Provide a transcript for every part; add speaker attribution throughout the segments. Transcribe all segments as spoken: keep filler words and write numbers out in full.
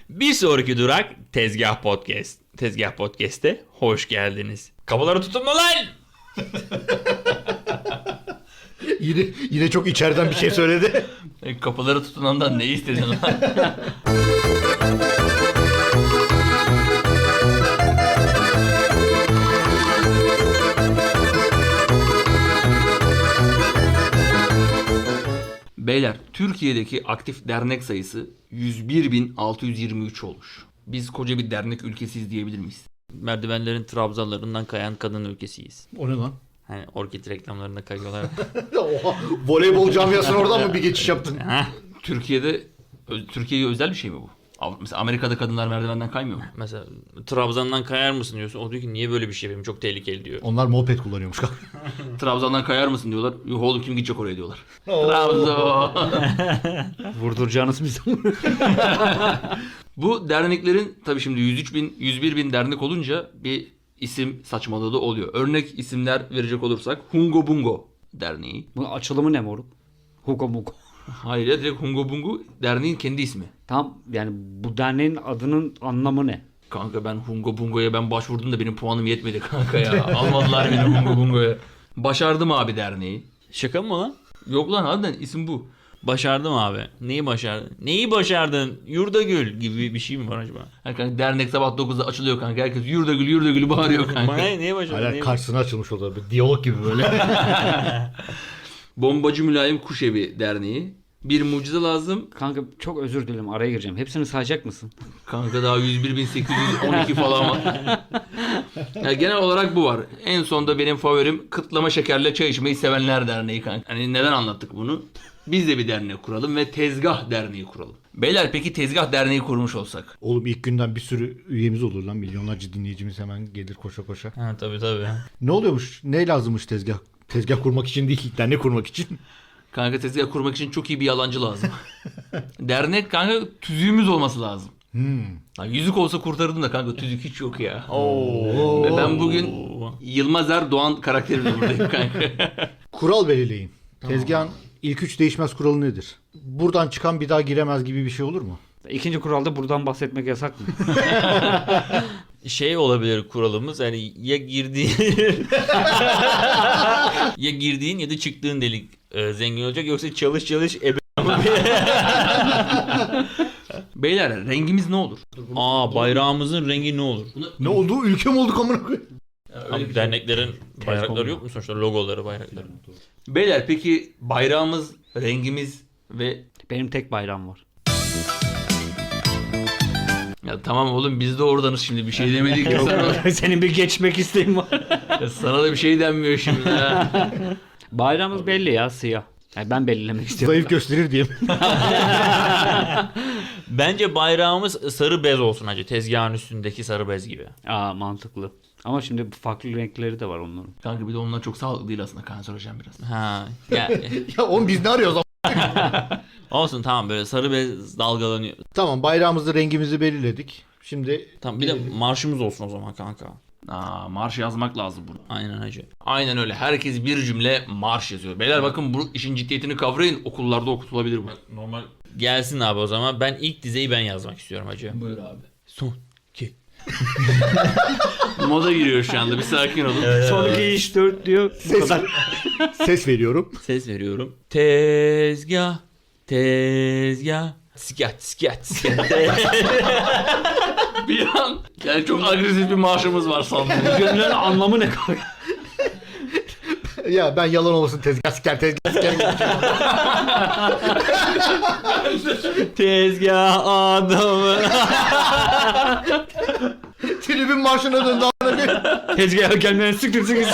Speaker 1: Bir sonraki durak Tezgah Podcast. Tezgah Podcast'te hoş geldiniz. Kapıları tutun lan!
Speaker 2: Yine, yine çok içeriden bir şey söyledi.
Speaker 1: E, kapıları tutunandan ne istedin lan? Beyler, Türkiye'deki aktif dernek sayısı yüz bir bin altı yüz yirmi üç olmuş. Biz koca bir dernek ülkesiyiz diyebilir miyiz? Merdivenlerin trabzalarından kayan kadın ülkesiyiz.
Speaker 2: O ne lan?
Speaker 1: Hani orkid reklamlarında kayıyorlar.
Speaker 2: Oha, voleybol camiasına oradan mı bir geçiş yaptın?
Speaker 1: Türkiye'de, Türkiye'ye özel bir şey mi bu? Mesela Amerika'da kadınlar merdivenden kaymıyor mu? Mesela Trabzon'dan kayar mısın diyorsun. O diyor ki niye böyle bir şey yapayım? Çok tehlikeli diyor.
Speaker 2: Onlar moped kullanıyormuş.
Speaker 1: Trabzon'dan kayar mısın diyorlar. Yok oğlum kim gidecek oraya diyorlar. Trabzon.
Speaker 3: Vurduracağınız bir zaman.
Speaker 1: Bu derneklerin tabii şimdi yüz üç bin, yüz bir bin dernek olunca bir isim saçmalığı da oluyor. Örnek isimler verecek olursak Hungo Bungo Derneği.
Speaker 3: Bunun açılımı ne moruk? Hugo Mugo.
Speaker 1: Hayır ya, direkt Hungo Bungo derneğin kendi ismi.
Speaker 3: Tam yani bu derneğin adının anlamı ne?
Speaker 1: Kanka ben Hungo Bungo'ya ben başvurdum da benim puanım yetmedi kanka ya. Almadılar beni Hungo Bungo'ya. Başardım abi derneği. Şaka mı lan? Yok lan harbiden isim bu. Başardım abi. Neyi başardın? Neyi başardın? Yurdagül gibi bir şey mi var acaba? Ha kanka, dernek sabah dokuzda açılıyor kanka. Herkes Yurdagül Yurdagül bağırıyor kanka.
Speaker 2: Bana
Speaker 1: neyi başardın?
Speaker 2: Hala karşısına açılmış oldu. Bir diyalog gibi böyle.
Speaker 1: Bombacı Mülayim Kuşevi Derneği. Bir mucize lazım.
Speaker 3: Kanka çok özür dilerim, araya gireceğim. Hepsini sayacak mısın?
Speaker 1: Kanka daha yüz bir bin sekiz yüz on iki falan var. Yani genel olarak bu var. En sonda benim favorim kıtlama şekerle çay içmeyi sevenler derneği kanka. Hani neden anlattık bunu? Biz de bir dernek kuralım ve tezgah derneği kuralım. Beyler peki tezgah derneği kurmuş olsak?
Speaker 2: Oğlum ilk günden bir sürü üyemiz olur lan. Milyonlarca dinleyicimiz hemen gelir koşa koşa.
Speaker 1: Ha tabii tabii.
Speaker 2: Ne oluyormuş? Ne lazımmış tezgah? Tezgah kurmak için değil, dernek kurmak için.
Speaker 1: Kanka tezgah kurmak için çok iyi bir yalancı lazım. Dernek kanka tüzüğümüz olması lazım.
Speaker 2: Hmm.
Speaker 1: Lan yüzük olsa kurtarırdım da kanka tüzük hiç yok ya. Oo. Ve ben bugün Yılmaz Erdoğan karakterimle buradayım kanka.
Speaker 2: Kural belirleyin. Tezgahın ilk üç değişmez kuralı nedir? Buradan çıkan bir daha giremez gibi bir şey olur mu?
Speaker 3: İkinci kuralda buradan bahsetmek yasak mı?
Speaker 1: Şey olabilir kuralımız, yani ya girdiğin ya girdiğin ya da çıktığın delik e, zengin olacak, yoksa çalış çalış ebe. Beyler rengimiz ne olur? Aa bayrağımızın rengi ne olur?
Speaker 2: Ne oldu? Ülke mi olduk amına koyayım?
Speaker 1: Abi derneklerin bayrakları yok mu sonuçta, logoları, bayrakları? Beyler peki bayrağımız, rengimiz ve
Speaker 3: Benim tek bayrağım var.
Speaker 1: ya tamam oğlum biz de oradanız, şimdi bir şey demedik ya sana.
Speaker 3: Senin bir geçmek isteğin var.
Speaker 1: Ya sana da bir şey denmiyor şimdi ya.
Speaker 3: Bayrağımız belli ya, siyah. Yani ben belirlemek istiyorum.
Speaker 2: Zayıf gösterir diye mi?
Speaker 1: Bence bayrağımız sarı bez olsun hacı. Tezgahın üstündeki sarı bez gibi.
Speaker 3: Aa, mantıklı. Ama şimdi farklı renkleri de var onların.
Speaker 1: Kanka bir de onlar çok sağlıklı değil aslında, kanserojen biraz. Ha. Ya,
Speaker 2: Ya oğlum biz ne arıyoruz?
Speaker 1: olsun tamam, böyle sarı bez dalgalanıyor.
Speaker 2: Tamam, bayrağımızı, rengimizi belirledik. Şimdi
Speaker 1: Tamam bir de marşımız olsun o zaman kanka. Aa, marş yazmak lazım bunu. Aynen hacı. Aynen öyle. Herkes bir cümle marş yazıyor. Beyler bakın bu işin ciddiyetini kavrayın. Okullarda okutulabilir bu. Normal. Gelsin abi o zaman. Ben ilk dizeyi ben yazmak istiyorum hacı. Buyur abi. Son iki. Moda giriyor şu anda. Bir sakin olun.
Speaker 3: Son iki iş dört diyor. Bu kadar.
Speaker 2: ses veriyorum.
Speaker 1: Ses veriyorum. Tezgah. Tezgah. Skat skat skat. Bir an yani çok agresif bir marşımız var sandım.
Speaker 3: Gönlün anlamı ne kanka?
Speaker 2: Ya ben yalan olmasın tezgah siker tezgah siker.
Speaker 1: Tezgah adamı.
Speaker 2: Tribün marşına döndü amına koyayım.
Speaker 3: Tezgaha gelmeyen sıkır sıkır.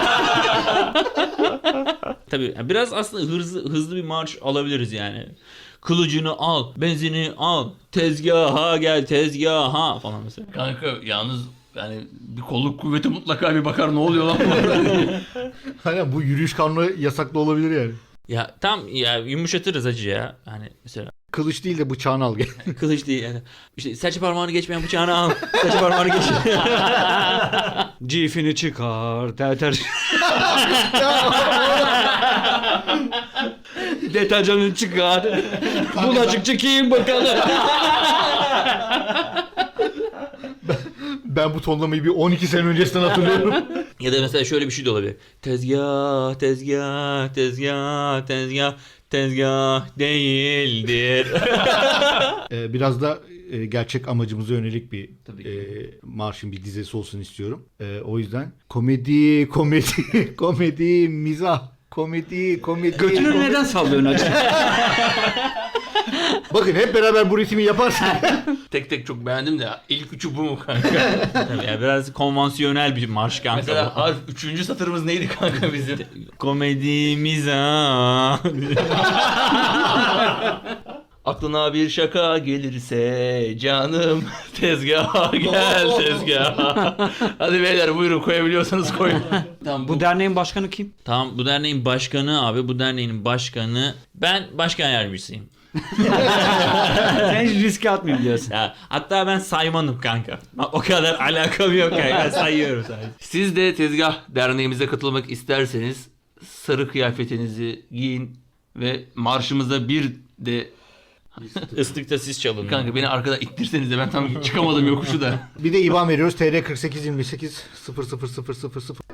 Speaker 1: Tabii biraz aslında hızlı hızlı bir marş alabiliriz yani. Kılıcını al, benzini al, tezgaha gel, tezgaha falan mesela. Kanka yalnız yani bir kolluk kuvveti mutlaka bir bakar ne oluyor lan bu arada.
Speaker 2: Hani bu yürüyüş kanunu yasaklı olabilir yani.
Speaker 1: Ya tam ya yumuşatırız hacı ya. Hani mesela
Speaker 2: Kılıç değil de bıçağını al gel.
Speaker 1: kılıç değil yani. İşte serçe parmağını geçmeyen bıçağını al. Serçe parmağını geç.
Speaker 3: Cifini çıkar. Deter. Deterjanını çıkar. Bulaşıkçı kim bakalım.
Speaker 2: ben bu tonlamayı bir on iki sene öncesinden hatırlıyorum.
Speaker 1: Ya da mesela şöyle bir şey de olabilir. Tezgah, tezgah, tezgah, tezgah, tezgah değildir.
Speaker 2: Ee, biraz da e, gerçek amacımıza yönelik bir
Speaker 1: Tabii
Speaker 2: e, marşın bir dizesi olsun istiyorum. E, o yüzden komedi, komedi, komedi, mizah, komedi, komedi.
Speaker 3: Götünü
Speaker 2: komedi.
Speaker 3: neden sallıyorsun acı?
Speaker 2: Bakın hep beraber bu ritmi yaparsak.
Speaker 1: Tek tek çok beğendim de ilk üçü bu mu kanka?
Speaker 3: Tabii ya, biraz konvansiyonel bir marş kanka.
Speaker 1: Mesela harf üçüncü satırımız neydi kanka bizim?
Speaker 3: Komedimiz ha.
Speaker 1: Aklına bir şaka gelirse canım tezgaha gel tezgaha. Hadi beyler buyurun koyabiliyorsanız koyun. Tamam,
Speaker 3: Bu derneğin başkanı kim?
Speaker 1: Tamam bu derneğin başkanı abi bu derneğin başkanı ben başkan yardımcısıyım.
Speaker 3: Sen hiç riske atmayayım diyorsun.
Speaker 1: Ya, hatta ben saymanım kanka. O kadar alakam yok kanka sayıyorum sadece. Siz de tezgah derneğimize katılmak isterseniz sarı kıyafetinizi giyin ve marşımıza bir de ıslıkta siz çalın. Kanka beni arkada ittirseniz de ben tam çıkamadım yokuşu da.
Speaker 2: Bir de İ B A N veriyoruz. T R kırk sekiz yirmi sekiz sıfır sıfır sıfır sıfır sıfır.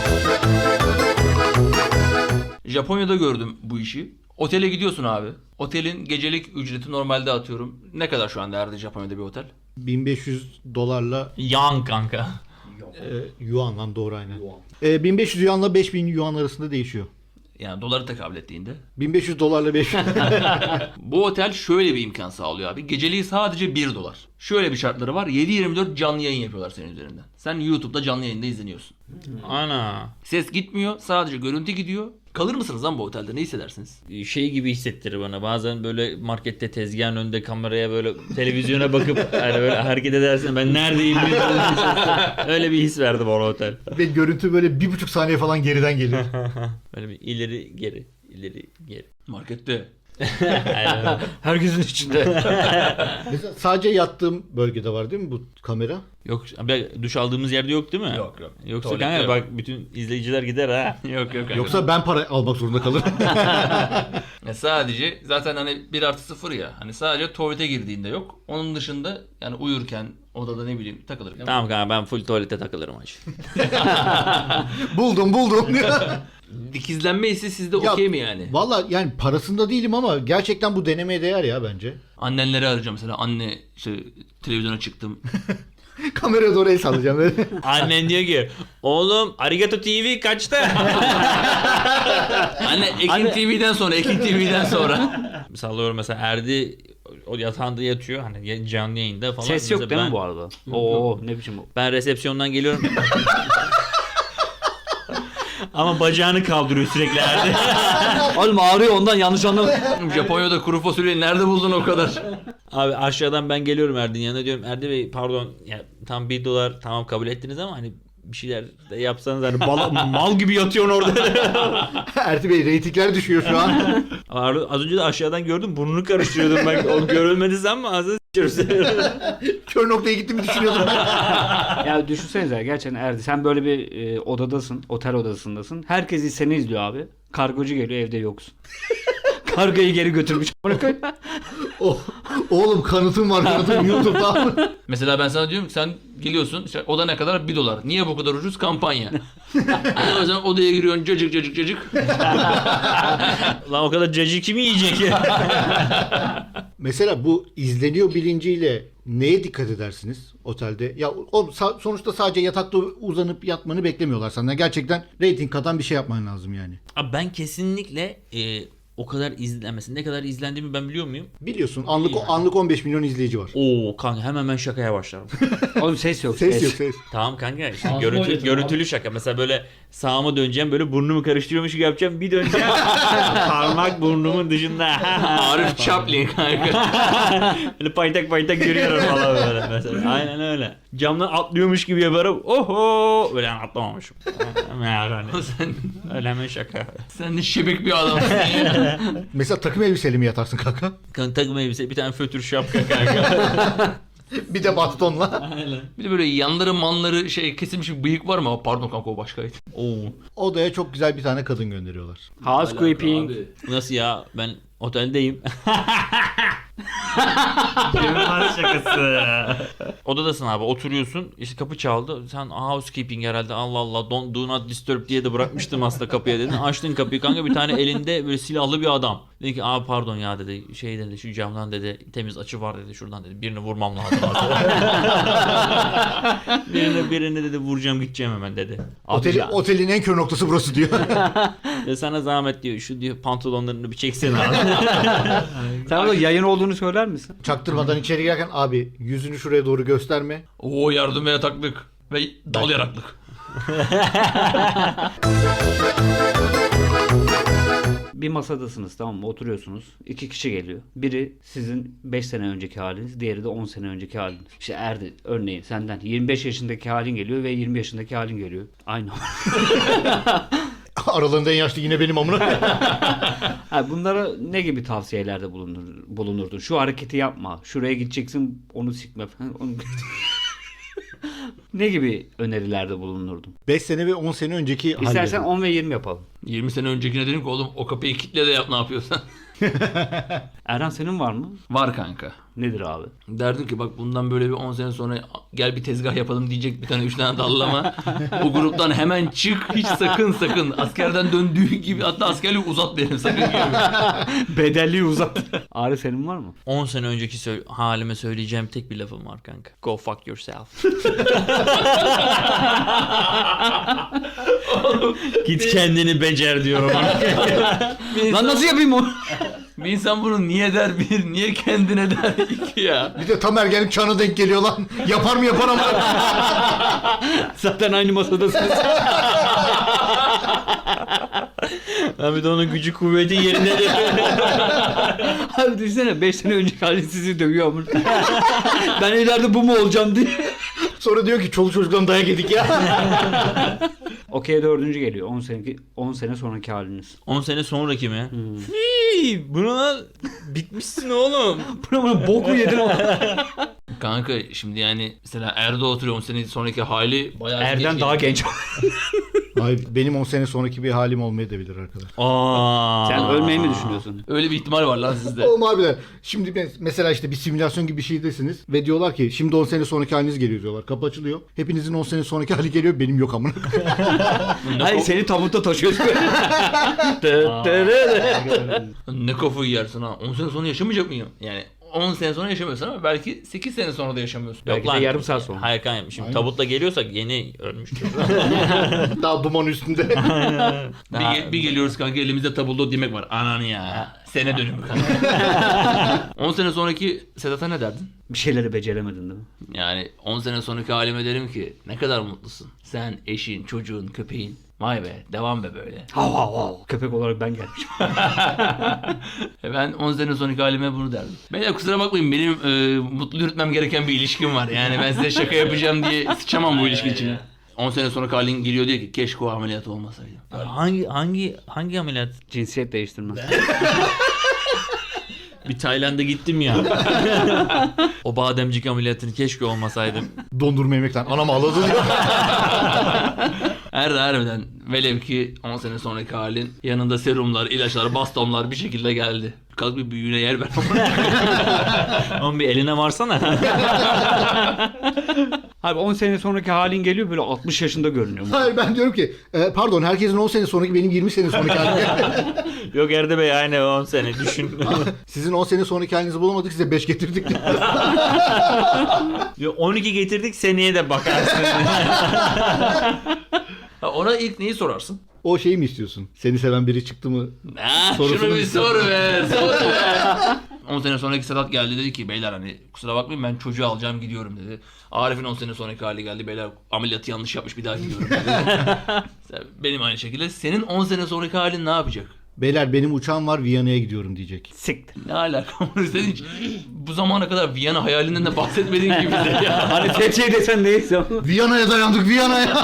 Speaker 1: Japonya'da gördüm bu işi. Otele gidiyorsun abi. Otelin gecelik ücreti normalde atıyorum. Ne kadar şu anda herhalde Japonya'da bir otel?
Speaker 2: bin beş yüz dolarla
Speaker 1: Yan kanka.
Speaker 2: e, yuan lan doğru aynen. E, bin beş yüz yuanla beş bin yuan arasında değişiyor.
Speaker 1: Yani doları tekabül ettiğinde.
Speaker 2: bin beş yüz dolarla beş bin.
Speaker 1: Bu otel şöyle bir imkan sağlıyor abi. Geceliği sadece bir dolar. Şöyle bir şartları var. yedi yirmi dört canlı yayın yapıyorlar senin üzerinden. Sen YouTube'da canlı yayında izleniyorsun.
Speaker 3: Ana.
Speaker 1: Ses gitmiyor. Sadece görüntü gidiyor. Kalır mısınız lan bu otelde? Ne hissedersiniz?
Speaker 3: Şey gibi hissettirir bana. Bazen böyle markette tezgahın önünde kameraya böyle televizyona bakıp yani böyle hareket edersin. Ben neredeyim? Öyle bir his verdi bana otel.
Speaker 2: Ve görüntü böyle bir buçuk saniye falan geriden geliyor.
Speaker 3: Böyle bir ileri geri ileri geri.
Speaker 1: Markette.
Speaker 3: Aynen. Herkesin içinde.
Speaker 2: Mesela sadece yattığım bölgede var değil mi bu kamera?
Speaker 3: Yok abi, duş aldığımız yerde yok değil mi?
Speaker 1: Yok, yok.
Speaker 3: Yoksa
Speaker 1: Tuvalette
Speaker 3: kanka
Speaker 1: yok.
Speaker 3: bak bütün izleyiciler gider ha.
Speaker 1: Yok yok.
Speaker 2: Yoksa ben para almak zorunda kalırım.
Speaker 1: Ya sadece zaten hani bir artı sıfır ya. Hani sadece tuvalete girdiğinde yok. Onun dışında yani uyurken odada ne bileyim takılır.
Speaker 3: Tamam kanka ben full tuvalete takılırım hacı.
Speaker 2: buldum buldum.
Speaker 1: Dikizlenme hissi sizde
Speaker 2: Ya,
Speaker 1: okey mi yani?
Speaker 2: Valla yani parasında değilim ama gerçekten bu denemeye değer ya bence.
Speaker 1: Annenleri arayacağım mesela. Anne işte televizyona çıktım.
Speaker 2: Kameraya doğru el sallayacağım böyle.
Speaker 3: Annen diyor ki oğlum Arigato T V kaçta?
Speaker 1: Anne Ekin
Speaker 3: Anne-
Speaker 1: T V'den sonra Ekin T V'den sonra.
Speaker 3: Sallıyorum mesela Erdi o yatağında yatıyor hani canlı yayında falan.
Speaker 4: Ses yok
Speaker 3: Mesela
Speaker 4: değil mi
Speaker 3: ben-
Speaker 4: bu arada? Oo ne biçim bu?
Speaker 3: Ben resepsiyondan geliyorum. Ama bacağını kaldırıyor sürekli Erdi.
Speaker 4: Oğlum ağrıyor ondan yanlış anlama.
Speaker 1: Japonya'da kuru fasulyeyi nerede buldun o kadar?
Speaker 3: Abi aşağıdan ben geliyorum Erdi'nin yanına diyorum Erdi Bey pardon ya tam bir dolar tamam kabul ettiniz ama hani bir şeyler de yapsanız hani bala, mal gibi yatıyorsun orada.
Speaker 2: Erti Bey reytingler düşüyor şu an.
Speaker 3: Ar- Az önce de aşağıdan gördüm burnunu karıştırıyordum ben. O görülmedi sen mi? Ağzını s**iyoruz.
Speaker 2: Kör noktaya gittiğimi düşünüyordum ben.
Speaker 4: Ya düşünsenize gerçekten Erdi sen böyle bir e, odadasın, otel odasındasın. Herkes seni izliyor abi. Kargocu geliyor evde yoksun. Kargoyu geri götürmüş.
Speaker 2: O, oğlum kanıtım var kanıtım YouTube'da.
Speaker 1: Mesela ben sana diyorum ki sen geliyorsun işte oda ne kadar? bir dolar. Niye bu kadar ucuz? Kampanya. O yüzden odaya giriyorsun cacık cacık cacık.
Speaker 3: Lan o kadar cacık kimi yiyecek ya?
Speaker 2: Mesela bu izleniyor bilinciyle neye dikkat edersiniz otelde? Ya o sa- sonuçta sadece yatakta uzanıp yatmanı beklemiyorlar senden. Gerçekten reyting katan bir şey yapman lazım yani.
Speaker 3: Abi ben kesinlikle e, o kadar izlenmesin. Ne kadar izlendiğimi ben biliyor muyum?
Speaker 2: Biliyorsun anlık anlık on beş milyon izleyici var.
Speaker 3: Oo kanka hemen ben şakaya başlarım.
Speaker 4: Oğlum ses yok.
Speaker 2: Ses yok ses.
Speaker 3: Tamam kanka işte
Speaker 1: Ağzıma
Speaker 3: görüntü,
Speaker 1: oynatın
Speaker 3: görüntülü şaka. Mesela böyle sağıma döneceğim böyle burnumu karıştırıyormuş gibi yapacağım. Bir döneceğim parmak burnumun dışında.
Speaker 1: Arif Chaplin kanka.
Speaker 3: Böyle paytak paytak yürüyorum falan böyle mesela. Aynen öyle. Camdan atlıyormuş gibi yaparım. Oho! Böyle yani atlamamışım. Yani
Speaker 1: sen,
Speaker 3: öyle hemen şaka.
Speaker 1: sen de şebek bir adamsın ya.
Speaker 2: Mesela takım elbiseyle mi yatarsın kanka?
Speaker 3: Kanka takım elbise bir tane fötür şapka kanka.
Speaker 2: Bir de bastonla.
Speaker 1: Bir de böyle yanları manları şey kesilmiş bir bıyık var mı? Aa, pardon kanka o başkaydı.
Speaker 3: Oo.
Speaker 2: Odaya çok güzel bir tane kadın gönderiyorlar.
Speaker 4: Housekeeping.
Speaker 3: Nasıl ya? Ben oteldeyim. Yılmaz şakası. Odadasın abi, oturuyorsun. İşte kapı çaldı. Sen housekeeping herhalde, Allah Allah, don't, do not disturb diye de bırakmıştım aslında kapıya dedin. Açtın kapıyı kanka, bir tane elinde böyle silahlı bir adam. Dedi ki abi pardon ya dedi, şey dedi, şu camdan dedi temiz açı var dedi, şuradan dedi birini vurmam lazım. birini, birini dedi vuracağım gideceğim hemen dedi. Abi
Speaker 2: Oteli,
Speaker 3: ya-
Speaker 2: otelin en kör noktası burası diyor.
Speaker 3: ya sana zahmet diyor, şu diyor pantolonlarını bir çeksene abi.
Speaker 4: Sen orada yayın olduğunu söyler misin?
Speaker 2: Çaktırmadan içeri girerken abi yüzünü şuraya doğru gösterme.
Speaker 1: Oo, yardım ve yataklık. Ve dal yaraklık.
Speaker 4: Bir masadasınız, tamam mı? Oturuyorsunuz. İki kişi geliyor. Biri sizin beş sene önceki haliniz, diğeri de on sene önceki haliniz. İşte Erdi örneğin senden yirmi beş yaşındaki halin geliyor ve yirmi yaşındaki halin geliyor. Aynı.
Speaker 2: Aralarında en yaşlı yine benim amına.
Speaker 4: Ha, bunlara ne gibi tavsiyelerde bulunur, bulunurdun? Şu hareketi yapma. Şuraya gideceksin, onu sikme falan. Onu... ne gibi önerilerde bulunurdun?
Speaker 2: beş sene ve on sene önceki
Speaker 4: İstersen
Speaker 2: halleri.
Speaker 4: on ve yirmi yapalım.
Speaker 1: yirmi sene öncekine dedim ki oğlum o kapıyı kitle de yap ne yapıyorsan.
Speaker 4: Erhan senin var mı?
Speaker 1: Var kanka.
Speaker 4: Nedir abi?
Speaker 1: Derdim ki bak bundan böyle bir on sene sonra gel bir tezgah yapalım diyecek bir tane üç tane dallama. O gruptan hemen çık, hiç sakın sakın. Askerden döndüğü gibi, hatta askerliği uzat benim sakın gelme.
Speaker 4: Bedelliği uzat. Arif senin var mı?
Speaker 3: on sene önceki sö- halime söyleyeceğim tek bir lafım var kanka. Go fuck yourself. Git kendini becer diyorum.
Speaker 1: Bir
Speaker 4: Lan
Speaker 1: insan,
Speaker 4: nasıl yapayım onu?
Speaker 1: bir insan bunu niye der bir, niye kendine der iki ya.
Speaker 2: Bir de tam ergenlik çağına denk geliyor lan. Yapar mı yapar ama.
Speaker 4: Zaten aynı masadasınız.
Speaker 3: Abi de onun gücü kuvveti yerindedir.
Speaker 4: Abi düşünsene beş sene önceki halin sizi dövüyor ama. Ben ileride bu mu olacağım diye.
Speaker 2: Sonra diyor ki çoluk çocuktan dayak yedik ya.
Speaker 4: Okey dördüncü geliyor. on sene, on sene sonraki haliniz.
Speaker 3: on sene sonraki mi? Fii, buna bitmişsin oğlum.
Speaker 4: Buna buna boku yedin o.
Speaker 1: Kanka şimdi yani mesela Erdo oturuyor on sene sonraki hali bayağı
Speaker 4: Erden
Speaker 1: geç-
Speaker 4: daha genç.
Speaker 2: Hayır benim on sene sonraki bir halim olmayabilir arkadaş.
Speaker 3: Aa.
Speaker 4: Sen ölmeyi mi düşünüyorsun?
Speaker 1: Öyle bir ihtimal var lan sizde.
Speaker 2: Oğlum abiler şimdi mes- mesela işte bir simülasyon gibi bir şeydesiniz ve diyorlar ki şimdi on sene sonraki haliniz geliyor diyorlar. Kapı açılıyor. Hepinizin on sene sonraki hali geliyor benim yok amına.
Speaker 4: Hayır seni tabutta taşıyorsun.
Speaker 1: Ne kafayı yersin ha. on sene sonra yaşamayacak mıyım? Yani on sene sonra yaşamıyorsun ama belki sekiz sene sonra da yaşamıyorsun.
Speaker 4: Belki de yarım saat sonra.
Speaker 3: Hayır kanka şimdi
Speaker 2: Aynen.
Speaker 3: tabutla geliyorsak yeni ölmüştür.
Speaker 2: Daha duman üstünde.
Speaker 1: Bir, ge- bir geliyoruz kanka elimizde tabuldo demek var. Ananı ya. Sene dönümü kanka. on sene sonraki Sedat'a ne derdin?
Speaker 4: Bir şeyleri beceremedin değil mi?
Speaker 1: Yani on sene sonraki halime derim ki ne kadar mutlusun. Sen, eşin, çocuğun, köpeğin. Vay be devam be böyle.
Speaker 4: Hav hav hav. Köpek olarak ben gelmişim.
Speaker 1: E ben on sene sonraki halime bunu derdim. Beyler kusura bakmayın benim e, mutlu yürütmem gereken bir ilişkim var. Yani ben size şaka yapacağım diye sıçamam bu ilişki için. on sene sonraki halin geliyor diyor ki keşke o ameliyat olmasaydı.
Speaker 3: hangi hangi hangi ameliyat?
Speaker 4: Cinsiyet değiştirme.
Speaker 3: Bir Tayland'a gittim ya. O bademcik ameliyatını keşke olmasaydım.
Speaker 2: Dondurma yemekten anam ağladı diyor.
Speaker 1: Her harbiden velev ki on sene sonraki halin yanında serumlar, ilaçlar, bastonlar bir şekilde geldi. Kalk bir büyüğüne yer ver.
Speaker 3: Oğlum bir eline varsana.
Speaker 4: Abi on sene sonraki halin geliyor böyle altmış yaşında görünüyor.
Speaker 2: Hayır ben diyorum ki e, pardon herkesin on sene sonraki benim yirmi sene sonraki halim.
Speaker 3: Yok Erde Bey aynı on sene düşün.
Speaker 2: Sizin on sene sonraki halinizi bulamadık size beş getirdik.
Speaker 3: Yok, on iki getirdik seneye de bakarsın.
Speaker 1: Ha, ona ilk neyi sorarsın?
Speaker 2: O şeyi mi istiyorsun? Seni seven biri çıktı mı?
Speaker 1: Ha,
Speaker 2: Sorusunu
Speaker 1: şunu bir
Speaker 2: istiyorum.
Speaker 1: sor be, sor be. on sene sonraki Sedat geldi dedi ki beyler hani kusura bakmayın ben çocuğu alacağım gidiyorum dedi. Arif'in on sene sonraki hali geldi beyler ameliyatı yanlış yapmış bir daha gidiyorum dedi. Benim aynı şekilde senin on sene sonraki halin ne yapacak?
Speaker 2: Beyler benim uçağım var Viyana'ya gidiyorum diyecek.
Speaker 4: Siktir.
Speaker 1: Ne alaka? Sen hiç bu zamana kadar Viyana hayalinden de bahsetmediğin gibi de ya.
Speaker 4: Hani tek şey desen neyse ama.
Speaker 2: Viyana'ya dayandık Viyana'ya.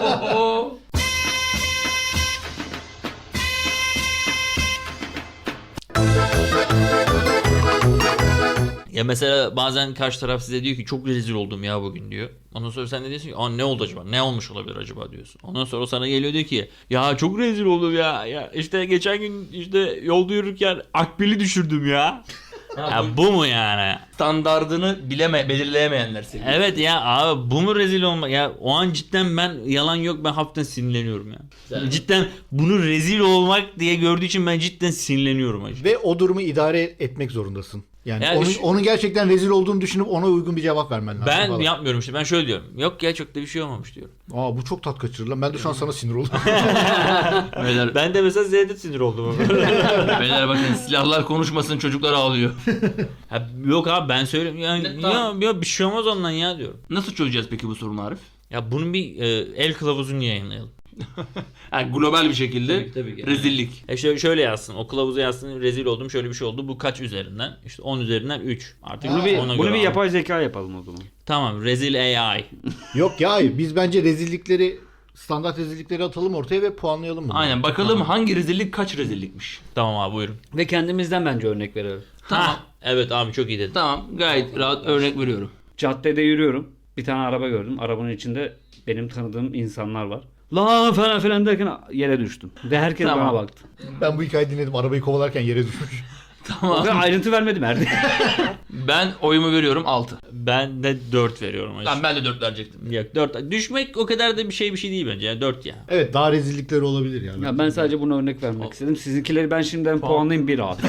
Speaker 3: Ya mesela bazen karşı taraf size diyor ki çok rezil oldum ya bugün diyor. Ondan sonra sen de diyorsun ki aa ne oldu acaba? Ne olmuş olabilir acaba diyorsun. Ondan sonra o sana geliyor diyor ki ya çok rezil oldum ya. Ya işte geçen gün işte yolda yürürken akbili düşürdüm ya. Ya bu mu yani?
Speaker 1: Standardını bileme, belirleyemeyenler seviyor.
Speaker 3: Evet ya abi bu mu rezil olmak? Ya o an cidden ben yalan yok ben hafiften sinirleniyorum ya.
Speaker 1: Güzel.
Speaker 3: Cidden bunu rezil olmak diye gördüğü için ben cidden sinirleniyorum acı.
Speaker 2: Ve o durumu idare etmek zorundasın. Yani
Speaker 3: Yani
Speaker 2: onun,
Speaker 3: şu-
Speaker 2: onun gerçekten rezil olduğunu düşünüp ona uygun bir cevap vermen lazım.
Speaker 3: Ben
Speaker 2: falan.
Speaker 3: yapmıyorum işte ben şöyle diyorum. Yok ya çok da bir şey olmamış diyorum.
Speaker 2: Aa bu çok tat kaçırır lan. Ben de şu an sana sinir oldum.
Speaker 1: Beyler,
Speaker 3: Ben de mesela Z'de sinir oldum.
Speaker 1: beyler bakın silahlar konuşmasın çocuklar ağlıyor.
Speaker 3: Ha, yok abi ben söylüyorum. Ya,
Speaker 1: Ne-
Speaker 3: ya,
Speaker 1: tamam.
Speaker 3: ya bir şey olmaz ondan ya diyorum.
Speaker 1: Nasıl çözeceğiz peki bu sorunu Arif?
Speaker 3: Ya bunun bir e, el kılavuzunu yayınlayalım.
Speaker 1: Yani global bir şekilde
Speaker 3: Tabii, tabii ki.
Speaker 1: rezillik.
Speaker 3: E şöyle, şöyle yazsın. O kılavuza yazsın. Rezil oldum. Şöyle bir şey oldu. Bu kaç üzerinden? İşte on üzerinden üç. Artık
Speaker 4: Bunu bir,
Speaker 3: ona
Speaker 4: bunu
Speaker 3: göre
Speaker 4: bir
Speaker 3: al.
Speaker 4: yapay zeka yapalım o zaman.
Speaker 3: Tamam. Rezil A I.
Speaker 2: Yok ya hayır. Biz bence rezillikleri standart rezillikleri atalım ortaya ve puanlayalım bunu.
Speaker 1: Aynen bakalım hangi rezillik kaç rezillikmiş.
Speaker 3: Tamam abi buyurun.
Speaker 4: Ve kendimizden bence örnek verelim.
Speaker 1: Tamam.
Speaker 3: Ha, evet abi çok iyi dedin.
Speaker 1: Tamam gayet rahat örnek veriyorum.
Speaker 4: Caddede yürüyorum. Bir tane araba gördüm. Arabanın içinde benim tanıdığım insanlar var. La falan filan derken yere düştüm. Ve herkes
Speaker 1: Tamam.
Speaker 4: bana baktı.
Speaker 2: Ben bu hikayeyi dinledim. Arabayı kovalarken yere düşmüş.
Speaker 1: Tamam.
Speaker 4: Ve ayrıntı vermedim Erdi.
Speaker 1: Ben oyumu veriyorum altı.
Speaker 3: Ben de dört veriyorum. Hacı.
Speaker 1: Tamam ben de dört verecektim.
Speaker 3: Yok dört. Düşmek o kadar da bir şey bir şey değil bence. Yani dört ya.
Speaker 2: Evet daha rezillikleri olabilir yani.
Speaker 4: Ya ben sadece buna örnek vermek istedim. Sizinkileri ben şimdiden puanlayayım bir abi.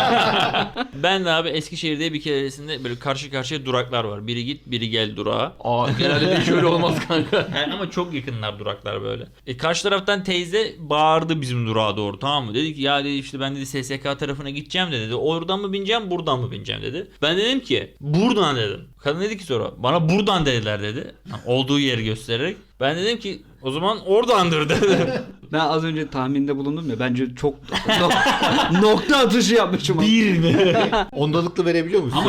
Speaker 3: Ben de abi Eskişehir'de bir keresinde böyle karşı karşıya duraklar var. Biri git biri gel durağa.
Speaker 1: Aa genelde de hiç öyle olmaz kanka.
Speaker 3: Yani ama çok yakınlar duraklar böyle. E karşı taraftan teyze bağırdı bizim durağa doğru tamam mı? Dedi ki ya dedi işte ben dedi S S K tarafına gideceğim de dedi. Oradan mı bineceğim buradan mı bineceğim dedi. Ben dedim ki buradan dedim. Kadın dedi ki sonra bana buradan dediler dedi. Yani olduğu yeri göstererek. Ben dedim ki o zaman oradandır dedi.
Speaker 4: Ben az önce tahminde bulundum ya. Bence çok no- nokta atışı yapmışım.
Speaker 3: Bir mi?
Speaker 2: Ondalıklı verebiliyor musun?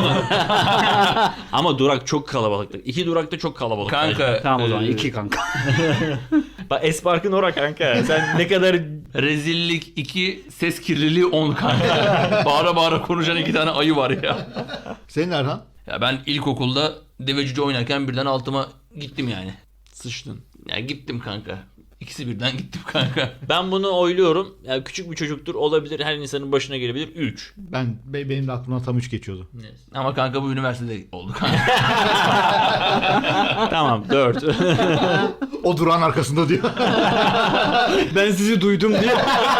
Speaker 3: Ama durak çok kalabalıktı. İki durakta çok kalabalık.
Speaker 1: Kanka.
Speaker 4: Tamam o zaman
Speaker 1: e,
Speaker 4: iki kanka.
Speaker 3: Bak Espark'ın ora kanka. Sen ne kadar
Speaker 1: Rezillik iki, ses kirliliği on kanka. Bağıra bağıra konuşan iki tane ayı var ya.
Speaker 2: Senin Erhan?
Speaker 1: Ya ben ilkokulda deve cüce oynarken birden altıma gittim yani.
Speaker 3: sıçtın.
Speaker 1: Ya gittim kanka. İkisi birden gittim kanka.
Speaker 3: Ben bunu oyluyorum. Yani küçük bir çocuktur olabilir. Her insanın başına gelebilir. üç.
Speaker 2: Ben be- benim de aklımdan tam üç geçiyordu.
Speaker 1: Ama kanka bu üniversitede oldu kanka.
Speaker 3: Tamam dört.
Speaker 2: O durağın arkasında diyor.
Speaker 4: Ben sizi duydum diye.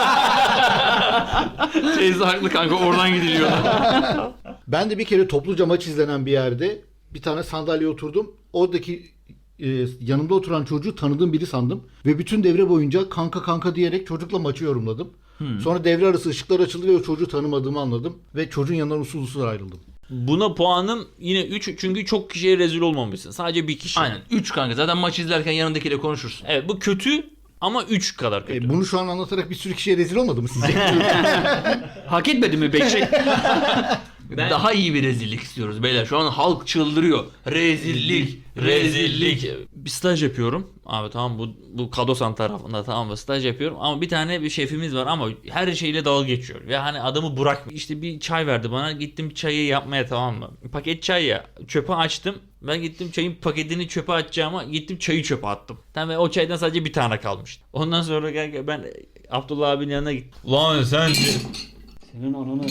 Speaker 1: Teyze haklı kanka oradan gidiliyor.
Speaker 2: Ben de bir kere topluca maç izlenen bir yerde bir tane sandalyeye oturdum. Oradaki e, yanımda oturan çocuğu tanıdığım biri sandım. Ve bütün devre boyunca kanka kanka diyerek çocukla maçı yorumladım. Sonra devre arası ışıklar açıldı ve o çocuğu tanımadığımı anladım. Ve çocuğun yanından usul usul ayrıldım.
Speaker 3: Buna puanım yine üç çünkü çok kişiye rezil olmamışsın. Sadece bir kişi.
Speaker 1: Aynen üç kanka zaten maç izlerken yanındakiyle konuşursun.
Speaker 3: Evet bu kötü ama üç kadar kötü.
Speaker 2: E, bunu şu an anlatarak bir sürü kişiye rezil olmadı mı sizce?
Speaker 4: Hak etmedi mi peki?
Speaker 3: Ben-
Speaker 1: Daha iyi bir rezillik istiyoruz beyler. Şu an halk çıldırıyor. Rezillik, rezillik.
Speaker 3: Bir staj yapıyorum. Abi tamam bu bu Kadosan tarafında tamam mı staj yapıyorum ama bir tane bir şefimiz var ama her şeyle dalga geçiyor. Ve hani adamı bırakmıyor. İşte bir çay verdi bana gittim çayı yapmaya tamam mı? Paket çay ya çöpe açtım. Ben gittim çayın paketini çöpe atacağıma gittim çayı çöpe attım. Tamam ve o çaydan sadece bir tane kalmıştı. Ondan sonra gel ben Abdullah abinin yanına gittim. Lan sen
Speaker 4: Senin ananı.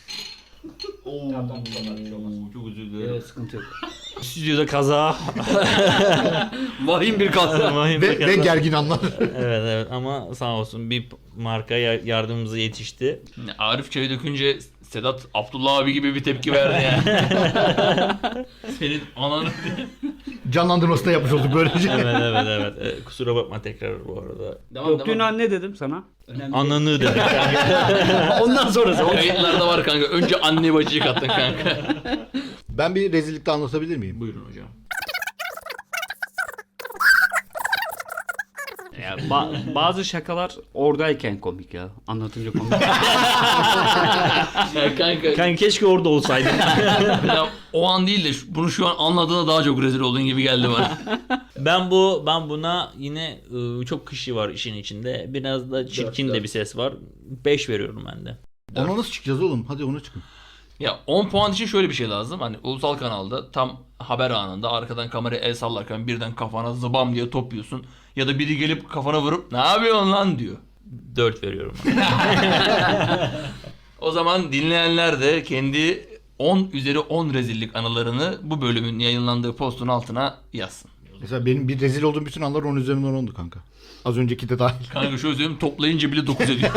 Speaker 3: çok özür dilerim.
Speaker 4: Evet, sıkıntı yok.
Speaker 3: Stüdyoda kaza.
Speaker 4: Vahim bir kasa.
Speaker 3: Vahim bir
Speaker 2: ve, ve
Speaker 3: kaza.
Speaker 2: gergin anlar.
Speaker 3: Evet evet ama sağ olsun bir marka ya- yardımımıza yetişti.
Speaker 1: Arif çayı dökünce Sedat Abdullah abi gibi bir tepki verdi yani. Senin ananı.
Speaker 2: Canlandırmasını yapmış olduk böylece.
Speaker 3: Evet evet evet. E, kusura bakma tekrar bu arada.
Speaker 4: Döktüğün an ne dedim sana? Önemli
Speaker 3: Ananı dedim.
Speaker 4: Ondan sonrası.
Speaker 1: Kayıtlarda var kanka. Önce anne bacıyı kattın kanka.
Speaker 2: Ben bir rezillikte anlatabilir miyim?
Speaker 1: Buyurun hocam.
Speaker 4: Ya, ba- bazı şakalar oradayken komik ya. Anlatınca komik.
Speaker 1: Ya kanka.
Speaker 3: Kanka keşke orada olsaydın.
Speaker 1: Ya, o an değil de şu- bunu şu an anladığında daha çok rezil olduğun gibi geldi bana.
Speaker 3: ben bu ben buna yine ıı, çok kişi var işin içinde. Biraz da çirkin
Speaker 1: Dört,
Speaker 3: de
Speaker 1: dört.
Speaker 3: bir ses var. beş veriyorum ben de.
Speaker 2: Ona nasıl çıkacağız oğlum? Hadi ona çıkın.
Speaker 1: Ya on puan için şöyle bir şey lazım. Hani ulusal kanalda tam haber anında arkadan kameraya el sallarken birden kafana zıbam diye top yiyorsun. Ya da biri gelip kafana vurup ne yapıyorsun lan diyor.
Speaker 3: dört veriyorum.
Speaker 1: O zaman dinleyenler de kendi on üzeri on rezillik anılarını bu bölümün yayınlandığı postun altına yazsın.
Speaker 2: Mesela benim bir rezil olduğum bütün anlar on üzerinden ondu kanka. Az önceki de dahil.
Speaker 1: Kanka şöyle söyleyeyim, toplayınca bile dokuz ediyor.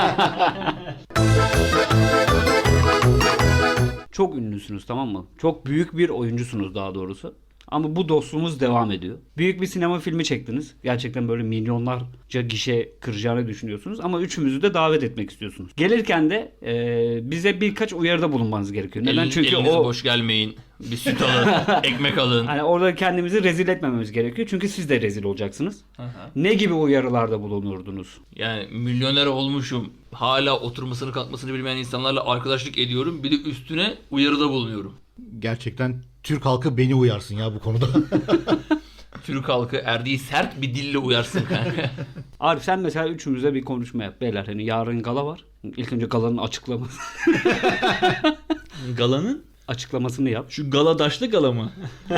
Speaker 4: Çok ünlüsünüz, tamam mı? Çok büyük bir oyuncusunuz daha doğrusu. Ama bu dostluğumuz devam ediyor. Büyük bir sinema filmi çektiniz. Gerçekten böyle milyonlarca gişe kıracağını düşünüyorsunuz. Ama üçümüzü de davet etmek istiyorsunuz. Gelirken de e, bize birkaç uyarıda bulunmanız gerekiyor. Neden?
Speaker 1: Elin,
Speaker 4: Çünkü
Speaker 1: eliniz
Speaker 4: o
Speaker 1: boş gelmeyin. Bir süt alın, ekmek alın.
Speaker 4: hani orada kendimizi rezil etmememiz gerekiyor. Çünkü siz de rezil olacaksınız. Ne gibi uyarılarda bulunurdunuz?
Speaker 1: Yani milyoner olmuşum. Hala oturmasını kalkmasını bilmeyen insanlarla arkadaşlık ediyorum. Bir de üstüne uyarıda bulunuyorum.
Speaker 2: Gerçekten Türk halkı beni uyarsın ya bu konuda.
Speaker 1: Türk halkı erdiği sert bir dille uyarsın kanka.
Speaker 4: Arif sen mesela üçümüze bir konuşma yap. Beyler hani yarın gala var. İlk önce galanın açıklaması,
Speaker 3: Galanın?
Speaker 4: açıklamasını yap.
Speaker 3: Şu galadaşlı gala mı?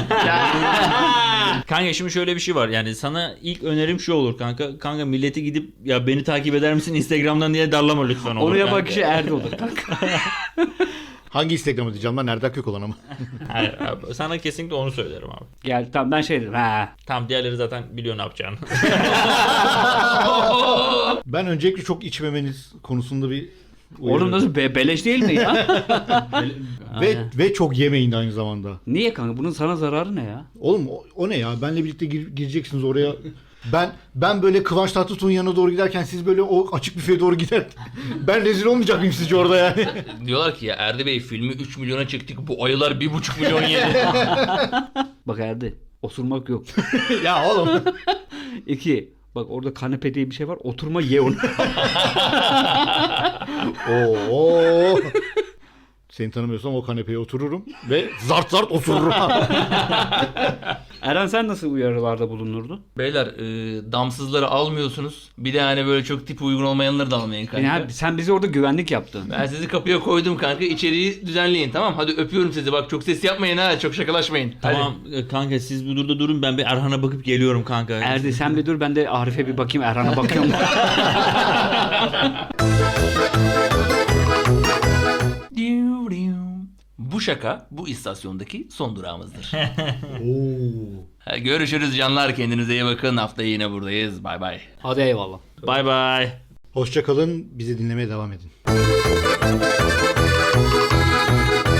Speaker 3: Kanka şimdi şöyle bir şey var. Yani sana ilk önerim şu olur kanka. Kanka milleti gidip ya beni takip eder misin Instagram'dan diye darlama lütfen olur.
Speaker 4: Onu yapan
Speaker 3: kanka.
Speaker 4: kişi Erdi olur kanka.
Speaker 2: Hangi Instagram'a diyeceğim lan? Erdal Kökoğlan ama.
Speaker 3: Hayır abi, sana kesinlikle onu söylerim abi.
Speaker 4: Gel tamam ben şey dedim. Ha.
Speaker 3: Tamam diğerleri zaten biliyor ne yapacağını.
Speaker 2: Ben öncelikle çok içmemeniz konusunda bir
Speaker 4: Oğlum
Speaker 2: uyarı.
Speaker 4: nasıl be- beleş değil mi ya?
Speaker 2: Ve, ve çok yemeyin de aynı zamanda.
Speaker 4: Niye kanka? Bunun sana zararı ne ya?
Speaker 2: Oğlum o, o ne ya? Benle birlikte gir- gireceksiniz oraya. Ben ben böyle Kıvanç Tatlıtuğ'un yanına doğru giderken siz böyle o açık büfeye doğru gider. Ben rezil olmayacak mıyım sizce orada yani?
Speaker 1: Diyorlar ki ya Erdi Bey filmi üç milyona çektik. Bu ayılar bir buçuk milyon yedi.
Speaker 4: Bak Erdi. Osurmak yok.
Speaker 2: Ya oğlum.
Speaker 4: İki. Bak orada kanepe diye bir şey var. Oturma ye onu.
Speaker 2: Oo. Seni tanımıyorsam o kanepeye otururum ve zart zart otururum.
Speaker 4: Eren sen nasıl uyarılarda bulunurdun?
Speaker 1: Beyler e, damsızları almıyorsunuz. Bir de hani böyle çok tip uygun olmayanları da almayın kanka.
Speaker 4: Yani sen bizi orada güvenlik yaptın.
Speaker 1: Ben sizi kapıya koydum kanka. İçeriği düzenleyin, tamam. Hadi öpüyorum sizi. Bak çok ses yapmayın ha. Çok şakalaşmayın. Hadi.
Speaker 3: Tamam e, kanka siz bu durda durun, ben bir Erhan'a bakıp geliyorum kanka.
Speaker 4: Erdi sen bir dur, ben de Arif'e bir bakayım, Erhan'a bakıyorum.
Speaker 1: Bu şaka bu istasyondaki son durağımızdır.
Speaker 2: Oo.
Speaker 1: Ha, görüşürüz canlar. Kendinize iyi bakın. Haftaya yine buradayız. Bay bay.
Speaker 4: Hadi eyvallah.
Speaker 3: Bye bye.
Speaker 2: Hoşça kalın. Bizi dinlemeye devam edin.